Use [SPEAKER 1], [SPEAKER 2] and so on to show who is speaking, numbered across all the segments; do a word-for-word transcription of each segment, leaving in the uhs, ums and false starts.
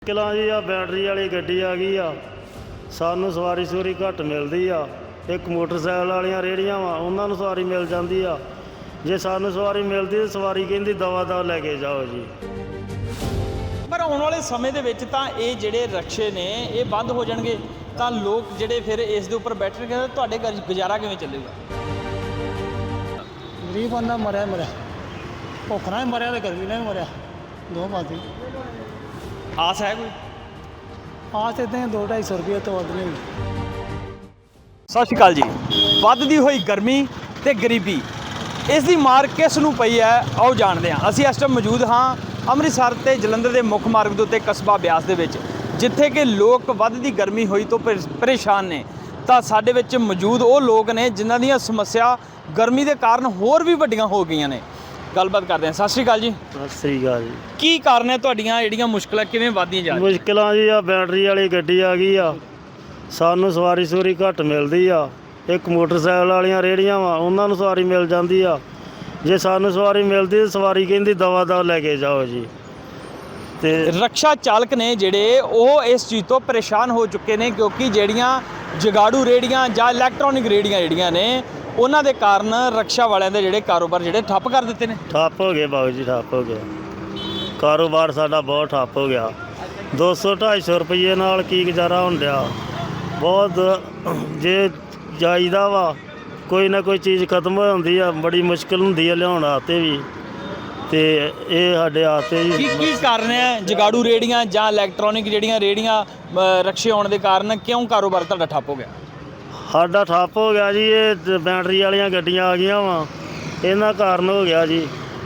[SPEAKER 1] ਕਿਲਾ ਜੀ ਆ ਬੈਟਰੀ ਵਾਲੀ ਗੱਡੀ ਆ ਗਈ ਆ। ਸਾਨੂੰ ਸਵਾਰੀ ਸੂਰੀ ਘੱਟ ਮਿਲਦੀ ਆ। ਇੱਕ ਮੋਟਰਸਾਈਕਲ ਵਾਲੀਆਂ ਰੇਹੜੀਆਂ ਵਾ, ਉਹਨਾਂ ਨੂੰ ਸਵਾਰੀ ਮਿਲ ਜਾਂਦੀ ਆ। ਜੇ ਸਾਨੂੰ ਸਵਾਰੀ ਮਿਲਦੀ ਤਾਂ ਸਵਾਰੀ ਕਹਿੰਦੀ ਦਵਾ ਦਵਾ ਲੈ ਕੇ ਜਾਓ ਜੀ।
[SPEAKER 2] ਪਰ ਆਉਣ ਵਾਲੇ ਸਮੇਂ ਦੇ ਵਿੱਚ ਤਾਂ ਇਹ ਜਿਹੜੇ ਰਕਸ਼ੇ ਨੇ ਇਹ ਬੰਦ ਹੋ ਜਾਣਗੇ ਤਾਂ ਲੋਕ ਜਿਹੜੇ ਫਿਰ ਇਸ ਦੇ ਉੱਪਰ ਬੈਠਣਗੇ ਤਾਂ ਤੁਹਾਡੇ ਘਰ ਗੁਜ਼ਾਰਾ ਕਿਵੇਂ ਚੱਲੇਗਾ?
[SPEAKER 3] ਗਰੀਬ ਬੰਦਾ ਮਰਿਆ ਮਰਿਆ ਭੁੱਖ ਨਾਲ ਵੀ ਮਰਿਆ ਤੇ ਗਰਮੀ ਨਾਲ ਵੀ ਮਰਿਆ, ਦੋ ਬਾਤੀ।
[SPEAKER 2] ਆਸ ਹੈ ਕੋਈ?
[SPEAKER 3] ਆਸ ਇੱਦਾਂ ਦੋ ਢਾਈ ਸੌ ਰੁਪਏ ਤੋਂ ਵੱਧ ਨਹੀਂ।
[SPEAKER 2] ਸਤਿ ਸ਼੍ਰੀ ਅਕਾਲ ਜੀ। ਵੱਧਦੀ ਹੋਈ ਗਰਮੀ ਤੇ ਗਰੀਬੀ, ਇਸ ਦੀ ਮਾਰ ਕਿਸ ਨੂੰ ਪਈ ਹੈ ਆਓ ਜਾਣਦੇ ਹਾਂ। ਅਸੀਂ ਇਸ ਟਾਈਮ ਮੌਜੂਦ ਹਾਂ ਅੰਮ੍ਰਿਤਸਰ ਤੇ ਜਲੰਧਰ ਦੇ ਮੁੱਖ ਮਾਰਗ ਦੇ ਉੱਤੇ ਕਸਬਾ ਬਿਆਸ ਦੇ ਵਿੱਚ, ਜਿੱਥੇ ਕਿ ਲੋਕ ਵੱਧਦੀ ਗਰਮੀ ਹੋਈ ਤੋਂ ਪਰੇਸ਼ਾਨ ਨੇ। ਤਾਂ ਸਾਡੇ ਵਿੱਚ ਮੌਜੂਦ ਉਹ ਲੋਕ ਨੇ ਜਿਨ੍ਹਾਂ ਦੀਆਂ ਸਮੱਸਿਆ ਗਰਮੀ ਦੇ ਕਾਰਨ ਹੋਰ ਵੀ ਵੱਡੀਆਂ ਹੋ ਗਈਆਂ ਨੇ। ਗੱਲਬਾਤ ਕਰਦੇ ਹਾਂ। ਸਤਿ ਸ਼੍ਰੀ ਅਕਾਲ ਜੀ।
[SPEAKER 1] ਸਤਿ ਸ੍ਰੀ ਅਕਾਲ ਜੀ।
[SPEAKER 2] ਕੀ ਕਾਰਨ ਹੈ ਤੁਹਾਡੀਆਂ ਜਿਹੜੀਆਂ ਮੁਸ਼ਕਲਾਂ ਕਿਵੇਂ ਵੱਧਦੀਆਂ ਜਾ ਰਹੀਆਂ?
[SPEAKER 1] ਮੁਸ਼ਕਿਲਾਂ ਜੀ ਆ ਬੈਟਰੀ ਵਾਲੀ ਗੱਡੀ ਆ ਗਈ ਆ। ਸਾਨੂੰ ਸਵਾਰੀ ਸੂਰੀ ਘੱਟ ਮਿਲਦੀ ਆ। ਇੱਕ ਮੋਟਰਸਾਈਕਲ ਵਾਲੀਆਂ ਰੇਹੜੀਆਂ ਵਾ, ਉਹਨਾਂ ਨੂੰ ਸਵਾਰੀ ਮਿਲ ਜਾਂਦੀ ਆ। ਜੇ ਸਾਨੂੰ ਸਵਾਰੀ ਮਿਲਦੀ ਤਾਂ ਸਵਾਰੀ ਕਹਿੰਦੀ ਦਵਾ ਦਵਾ ਲੈ ਕੇ ਜਾਓ ਜੀ। ਤੇ
[SPEAKER 2] ਰਕਸ਼ਾ ਚਾਲਕ ਨੇ ਜਿਹੜੇ ਉਹ ਇਸ ਚੀਜ਼ ਤੋਂ ਪਰੇਸ਼ਾਨ ਹੋ ਚੁੱਕੇ ਨੇ, ਕਿਉਂਕਿ ਜਿਹੜੀਆਂ ਜਗਾੜੂ ਰੇਹੜੀਆਂ ਜਾਂ ਇਲੈਕਟ੍ਰੋਨਿਕ ਰੇਹੜੀਆਂ ਜਿਹੜੀਆਂ ਨੇ ਉਹਨਾਂ ਦੇ ਕਾਰਨ ਰਕਸ਼ਾ ਵਾਲਿਆਂ ਦੇ ਜਿਹੜੇ ਕਾਰੋਬਾਰ ਜਿਹੜੇ ਠੱਪ ਕਰ ਦਿੱਤੇ ਨੇ।
[SPEAKER 1] ਠੱਪ ਹੋ ਗਏ ਬਾਬੂ ਜੀ, ਠੱਪ ਹੋ ਗਿਆ ਕਾਰੋਬਾਰ ਸਾਡਾ, ਬਹੁਤ ਠੱਪ ਹੋ ਗਿਆ। ਦੋ ਸੌ ਢਾਈ ਸੌ ਰੁਪਈਏ ਨਾਲ ਕੀ ਗੁਜ਼ਾਰਾ ਹੋਣ ਡਿਆ। ਬਹੁਤ ਜੇ ਜਾਈਦਾ ਵਾ ਕੋਈ ਨਾ ਕੋਈ ਚੀਜ਼ ਖਤਮ ਹੋ ਜਾਂਦੀ ਆ, ਬੜੀ ਮੁਸ਼ਕਿਲ ਹੁੰਦੀ ਆ ਲਿਆਉਣ ਆਤੇ ਵੀ। ਤੇ ਇਹ ਸਾਡੇ ਆਤੇ
[SPEAKER 2] ਕੀ
[SPEAKER 1] ਜੀ
[SPEAKER 2] ਕੀ ਕਾਰਨ ਹੈ ਜਗਾੜੂ ਰੇਹੜੀਆਂ ਜਾਂ ਇਲੈਕਟ੍ਰੋਨਿਕ ਜਿਹੜੀਆਂ ਰੇਹੜੀਆਂ ਅ, ਰਕਸ਼ੇ ਆਉਣ ਦੇ ਕਾਰਨ ਕਿਉਂ ਕਾਰੋਬਾਰ ਤੁਹਾਡਾ ਠੱਪ ਹੋ ਗਿਆ?
[SPEAKER 1] ਸਾਡਾ ਠੱਪ ਹੋ ਗਿਆ ਜੀ। ਇਹ ਬੈਟਰੀ ਵਾਲੀਆਂ ਗੱਡੀਆਂ ਆ ਗਈਆਂ ਵਾ, ਇਹਨਾਂ ਕਾਰਨ ਹੋ ਗਿਆ ਜੀ।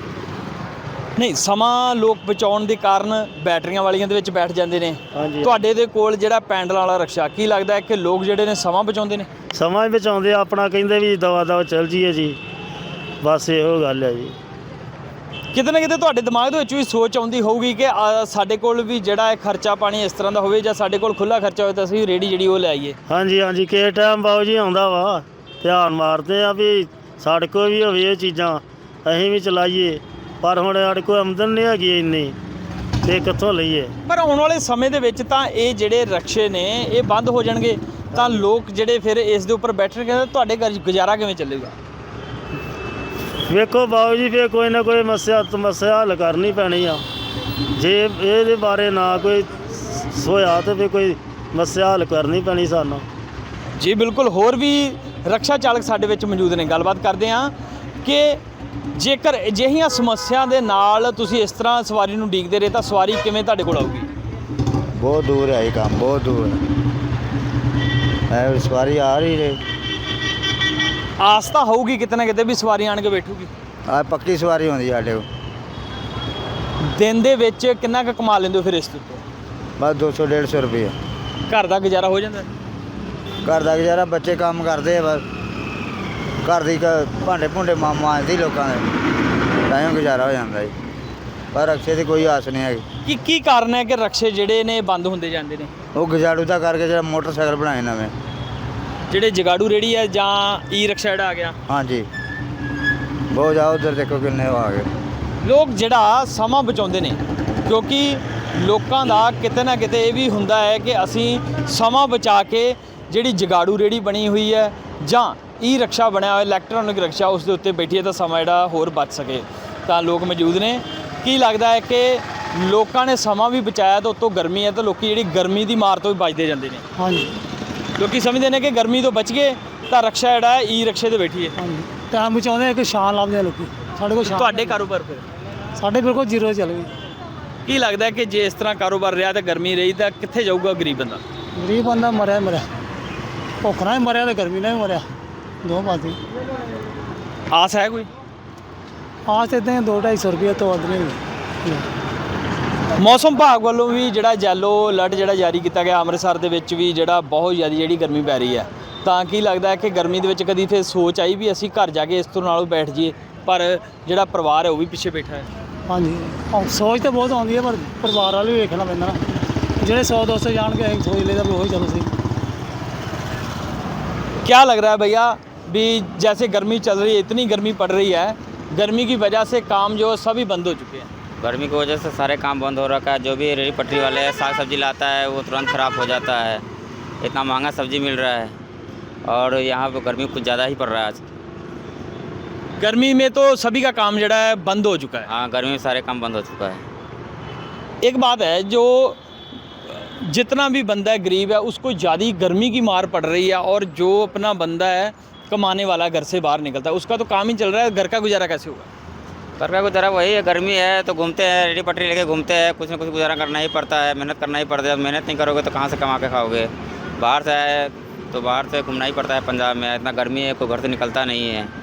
[SPEAKER 2] ਨਹੀਂ, ਸਮਾਂ ਲੋਕ ਬਚਾਉਣ ਦੇ ਕਾਰਨ ਬੈਟਰੀਆਂ ਵਾਲੀਆਂ ਦੇ ਵਿੱਚ ਬੈਠ ਜਾਂਦੇ ਨੇ।
[SPEAKER 1] ਹਾਂਜੀ।
[SPEAKER 2] ਤੁਹਾਡੇ ਦੇ ਕੋਲ ਜਿਹੜਾ ਪੈਂਡਲ ਵਾਲਾ ਰਕਸ਼ਾ, ਕੀ ਲੱਗਦਾ ਹੈ ਕਿ ਲੋਕ ਜਿਹੜੇ ਨੇ ਸਮਾਂ ਬਚਾਉਂਦੇ ਨੇ?
[SPEAKER 1] ਸਮਾਂ ਹੀ ਬਚਾਉਂਦੇ ਆ ਆਪਣਾ, ਕਹਿੰਦੇ ਵੀ ਦਵਾ ਦਵਾ ਚੱਲ ਜੀਏ ਜੀ। ਬਸ ਇਹੋ ਗੱਲ ਹੈ ਜੀ।
[SPEAKER 2] ਕਿਤੇ ਨਾ ਕਿਤੇ ਤੁਹਾਡੇ ਦਿਮਾਗ ਦੇ ਵਿੱਚ ਵੀ ਸੋਚ ਆਉਂਦੀ ਹੋਊਗੀ ਕਿ ਆ, ਸਾਡੇ ਕੋਲ ਵੀ ਜਿਹੜਾ ਹੈ ਖਰਚਾ ਪਾਣੀ ਇਸ ਤਰ੍ਹਾਂ ਦਾ ਹੋਵੇ, ਜਾਂ ਸਾਡੇ ਕੋਲ ਖੁੱਲ੍ਹਾ ਖਰਚਾ ਹੋਵੇ ਤਾਂ ਅਸੀਂ ਰੇਹੜੀ ਜਿਹੜੀ ਉਹ ਲੈ ਆਈਏ।
[SPEAKER 1] ਹਾਂਜੀ ਹਾਂਜੀ, ਕਿਸੇ ਟਾਈਮ ਬਾਊ ਜੀ ਆਉਂਦਾ ਵਾ, ਧਿਆਨ ਮਾਰਦੇ ਆ ਵੀ ਸਾਡੇ ਕੋਲ ਵੀ ਹੋਵੇ ਇਹ ਚੀਜ਼ਾਂ, ਅਸੀਂ ਵੀ ਚਲਾਈਏ। ਪਰ ਹੁਣ ਸਾਡੇ ਕੋਲ ਆਮਦਨ ਨਹੀਂ ਹੈਗੀ ਇੰਨੀ, ਤੇ ਕਿੱਥੋਂ ਲਈਏ?
[SPEAKER 2] ਪਰ ਆਉਣ ਵਾਲੇ ਸਮੇਂ ਦੇ ਵਿੱਚ ਤਾਂ ਇਹ ਜਿਹੜੇ ਰਕਸ਼ੇ ਨੇ ਇਹ ਬੰਦ ਹੋ ਜਾਣਗੇ ਤਾਂ ਲੋਕ ਜਿਹੜੇ ਫਿਰ ਇਸ ਦੇ ਉੱਪਰ ਬੈਠਣਗੇ ਤਾਂ ਤੁਹਾਡੇ ਘਰ ਗੁਜ਼ਾਰਾ ਕਿਵੇਂ ਚੱਲੇਗਾ?
[SPEAKER 1] ਵੇਖੋ ਬਾਊ ਜੀ, ਫਿਰ ਕੋਈ ਨਾ ਕੋਈ ਸਮੱਸਿਆ ਸਮੱਸਿਆ ਹੱਲ ਕਰਨੀ ਪੈਣੀ ਆ। ਜੇ ਇਹਦੇ ਬਾਰੇ ਨਾ ਕੋਈ ਹੋਇਆ ਤਾਂ ਫਿਰ ਕੋਈ ਸਮੱਸਿਆ ਹੱਲ ਕਰਨੀ ਪੈਣੀ ਸਾਨੂੰ।
[SPEAKER 2] ਜੀ ਬਿਲਕੁਲ। ਹੋਰ ਵੀ ਰਕਸ਼ਾ ਚਾਲਕ ਸਾਡੇ ਵਿੱਚ ਮੌਜੂਦ ਨੇ, ਗੱਲਬਾਤ ਕਰਦੇ ਹਾਂ ਕਿ ਜੇਕਰ ਅਜਿਹੀਆਂ ਸਮੱਸਿਆ ਦੇ ਨਾਲ ਤੁਸੀਂ ਇਸ ਤਰ੍ਹਾਂ ਸਵਾਰੀ ਨੂੰ ਉਡੀਕਦੇ ਰਹੇ ਤਾਂ ਸਵਾਰੀ ਕਿਵੇਂ ਤੁਹਾਡੇ ਕੋਲ ਆਊਗੀ?
[SPEAKER 4] बहुत दूर है ये काम, बहुत दूर है। सवारी आ रही है,
[SPEAKER 2] ਆਸ ਤਾਂ ਹੋਊਗੀ ਕਿਤੇ ਨਾ ਕਿਤੇ ਵੀ ਸਵਾਰੀ ਆਣ ਕੇ ਬੈਠੂਗੀ।
[SPEAKER 4] आ पक्की सवारी होती साढ़े को।
[SPEAKER 2] ਦਿਨ ਦੇ ਵਿੱਚ ਕਿੰਨਾ ਕੁ ਕਮਾ ਲੈਂਦੇ ਹੋ ਫਿਰ ਇਸ ਤੋਂ?
[SPEAKER 4] बस दो सौ डेढ़ सौ रुपये
[SPEAKER 2] ਘਰ ਦਾ ਗੁਜ਼ਾਰਾ ਹੋ ਜਾਂਦਾ?
[SPEAKER 4] घर का गुजारा, बच्चे काम करते हैं बस। घर की भांडे भूंडे मां मांजदी लोगों के, तां गुजारा हो जाता है। पर रक्शे की कोई आस नहीं है।
[SPEAKER 2] ਕੀ ਕੀ ਕਾਰਨ ਹੈ ਕਿ ਰਕਸ਼ੇ ਜਿਹੜੇ ਨੇ ਬੰਦ ਹੁੰਦੇ ਜਾਂਦੇ ਨੇ?
[SPEAKER 4] वो गुजारू का करके जो मोटरसाइकिल बनाए नवे।
[SPEAKER 2] ਜਿਹੜੇ ਜਗਾੜੂ ਰੇੜੀ ਹੈ ਜਾਂ ਈ ਰਕਸ਼ਾ ਜਿਹੜਾ ਆ ਗਿਆ?
[SPEAKER 4] हाँ जी, बहुत जाओ उधर देखो किन्ने आ गए।
[SPEAKER 2] ਲੋਕ ਜਿਹੜਾ ਸਮਾਂ ਬਚਾਉਂਦੇ ਨੇ, ਕਿਉਂਕਿ ਲੋਕਾਂ ਦਾ ਕਿਤੇ ਨਾ ਕਿਤੇ ਇਹ ਵੀ ਹੁੰਦਾ ਹੈ ਕਿ ਅਸੀਂ ਸਮਾਂ ਬਚਾ ਕੇ ਜਿਹੜੀ ਜਗਾੜੂ ਰੇੜੀ ਬਣੀ ਹੋਈ ਹੈ ਜਾਂ ਈ ਰਕਸ਼ਾ ਬਣਿਆ ਹੋਇਆ ਇਲੈਕਟ੍ਰੋਨਿਕ ਰਕਸ਼ਾ, ਉਸ ਦੇ ਉੱਤੇ ਬੈਠੀਏ ਤਾਂ ਸਮਾਂ ਜਿਹੜਾ ਹੋਰ ਬਚ ਸਕੇ। ਤਾਂ ਲੋਕ ਮੌਜੂਦ ਨੇ। ਕੀ ਲੱਗਦਾ ਹੈ ਕਿ ਲੋਕਾਂ ਨੇ ਸਮਾਂ ਵੀ ਬਚਾਇਆ ਤਾਂ ਉੱਤੋਂ ਗਰਮੀ ਹੈ ਤਾਂ ਲੋਕ ਜਿਹੜੀ ਗਰਮੀ ਦੀ ਮਾਰ ਤੋਂ ਵੀ ਬਚਦੇ ਜਾਂਦੇ ਨੇ?
[SPEAKER 3] ਹਾਂਜੀ
[SPEAKER 2] ਲੋਕੀ ਸਮਝਦੇ ਨੇ ਕਿ ਗਰਮੀ ਤੋਂ ਬਚ ਗਏ ਤਾਂ ਰਕਸ਼ਾ ਜਿਹੜਾ ਹੈ ਈ ਰਕਸ਼ੇ ਤੇ ਬੈਠੀਏ।
[SPEAKER 3] ਹਾਂਜੀ, ਟਾਈਮ ਬਚਾਉਂਦੇ ਕਿ ਸ਼ਾਨ ਲੱਭਦੇ ਆ ਲੋਕੀ। ਸਾਡੇ ਕੋਲ ਸ਼ਾਨ,
[SPEAKER 2] ਤੁਹਾਡੇ ਕਾਰੋਬਾਰ ਫਿਰ
[SPEAKER 3] ਸਾਡੇ ਬਿਲਕੁਲ ਜ਼ੀਰੋ ਚੱਲ ਗਈ।
[SPEAKER 2] ਕੀ ਲੱਗਦਾ ਕਿ ਜੇ ਇਸ ਤਰ੍ਹਾਂ ਕਾਰੋਬਾਰ ਰਿਹਾ ਤਾਂ ਗਰਮੀ ਰਹੀ ਤਾਂ ਕਿੱਥੇ ਜਾਊਗਾ ਗਰੀਬ ਬੰਦਾ?
[SPEAKER 3] ਗਰੀਬ ਬੰਦਾ ਮਰਿਆ ਮਰਿਆ ਭੁੱਖ ਨਾਲ ਵੀ ਮਰਿਆ ਤੇ ਗਰਮੀ ਨਾਲ ਵੀ ਮਰਿਆ, ਦੋ ਬਾਤੀ।
[SPEAKER 2] ਆਸ ਹੈ ਕੋਈ?
[SPEAKER 3] ਆਸ ਇੱਦਾਂ ਦੋ ਢਾਈ ਸੌ ਰੁਪਏ ਤੋਂ ਵੱਧ ਨਹੀਂ।
[SPEAKER 2] ਮੌਸਮ ਵਿਭਾਗ ਵੱਲੋਂ ਵੀ ਜਿਹੜਾ ਯੈਲੋ ਅਲਰਟ ਜਿਹੜਾ ਜਾਰੀ ਕੀਤਾ ਗਿਆ ਅੰਮ੍ਰਿਤਸਰ ਦੇ ਵਿੱਚ ਵੀ, ਜਿਹੜਾ ਬਹੁਤ ਜ਼ਿਆਦਾ ਜਿਹੜੀ ਗਰਮੀ ਪੈ ਰਹੀ ਹੈ। ਤਾਂ ਕੀ ਲੱਗਦਾ ਹੈ ਕਿ ਗਰਮੀ ਦੇ ਵਿੱਚ ਕਦੀ ਫਿਰ ਸੋਚ ਆਈ ਵੀ ਅਸੀਂ ਘਰ ਜਾ ਕੇ ਇਸ ਤੋਂ ਨਾਲੋਂ ਬੈਠ ਜਾਈਏ, ਪਰ ਜਿਹੜਾ ਪਰਿਵਾਰ ਹੈ ਉਹ ਵੀ ਪਿੱਛੇ ਬੈਠਾ ਹੈ?
[SPEAKER 3] ਹਾਂਜੀ, ਆਹ ਸੋਚ ਤਾਂ ਬਹੁਤ ਆਉਂਦੀ ਹੈ, ਪਰ ਪਰਿਵਾਰ ਵਾਲੇ ਵੀ ਵੇਖਣਾ ਪੈਂਦਾ ਨਾ। ਜਿਹੜੇ ਸੌ ਦੋ ਸੌ ਜਾਣਗੇ ਅਸੀਂ ਸੋਚ ਲਈਦਾ ਵੀ ਉਹੀ ਚਲੋ ਸਹੀ।
[SPEAKER 2] क्या लग रहा है भैया भी जैसे गर्मी चल रही है, इतनी गर्मी पड़ रही है, गर्मी की वजह से काम जो सभी बंद हो चुके हैं?
[SPEAKER 5] गर्मी की वजह से सारे काम बंद हो रखा है। जो भी रेडी पटरी वाले है साग सब्जी लाता है वो तुरंत ख़राब हो जाता है। इतना महंगा सब्जी मिल रहा है और यहाँ पे गर्मी कुछ ज़्यादा ही पड़ रहा है आज।
[SPEAKER 2] गर्मी में तो सभी का काम जड़ा है बंद हो चुका है।
[SPEAKER 5] हाँ, गर्मी में सारे काम बंद हो चुका है।
[SPEAKER 2] एक बात है, जो जितना भी बंदा है गरीब है उसको ज़्यादा गर्मी की मार पड़ रही है, और जो अपना बंदा है कमाने वाला घर से बाहर निकलता है उसका तो काम ही चल रहा है, घर का गुजारा कैसे होगा?
[SPEAKER 5] घर का गुजारा वही है, गर्मी है तो घूमते हैं, रेडी पटरी लेके घूमते हैं, कुछ ना कुछ गुजारा करना ही पड़ता है, मेहनत करना ही पड़ता है। मेहनत नहीं करोगे तो कहाँ से कमा के खाओगे? बाहर से आए तो बाहर से घूमना ही पड़ता है। पंजाब में इतना गर्मी है, कोई घर से निकलता नहीं है।